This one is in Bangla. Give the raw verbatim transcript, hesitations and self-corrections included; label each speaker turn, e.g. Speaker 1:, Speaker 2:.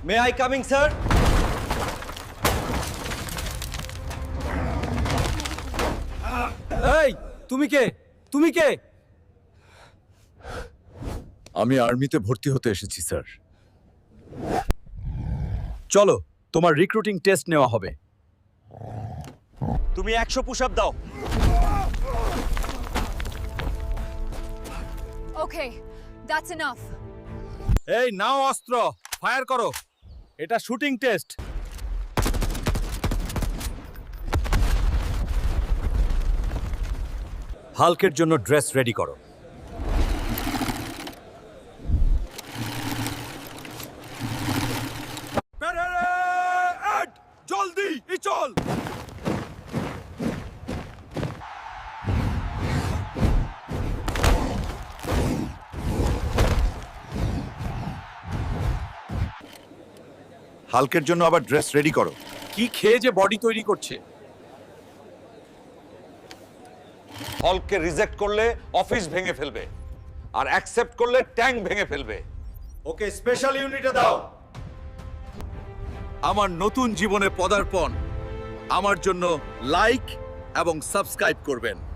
Speaker 1: May I coming sir? এই তুমি কে? তুমি কে?
Speaker 2: আমি আর্মিতে ভর্তি হতে এসেছি স্যার। চলো, তোমার রিক্রুটিং টেস্ট নেওয়া হবে।
Speaker 1: তুমি একশো পুশ আপ দাও।
Speaker 3: Okay, that's enough.
Speaker 2: এই নাও অস্ত্র, ফায়ার করো। এটা শুটিং টেস্ট।
Speaker 1: হাল্কের জন্য ড্রেস রেডি করো।
Speaker 2: জলদি চল।
Speaker 4: হাল্কের জন্য আবার ড্রেস রেডি করো।
Speaker 2: কি খেয়ে যে বডি তৈরি করছে?
Speaker 5: হলকে রিজেক্ট করলে অফিস ভেঙে ফেলবে, আর অ্যাকসেপ্ট করলে ট্যাঙ্ক ভেঙে ফেলবে।
Speaker 4: ওকে, স্পেশাল ইউনিটে দাও।
Speaker 2: আমার নতুন জীবনে পদার্পণ। আমার জন্য লাইক এবং সাবস্ক্রাইব করবেন।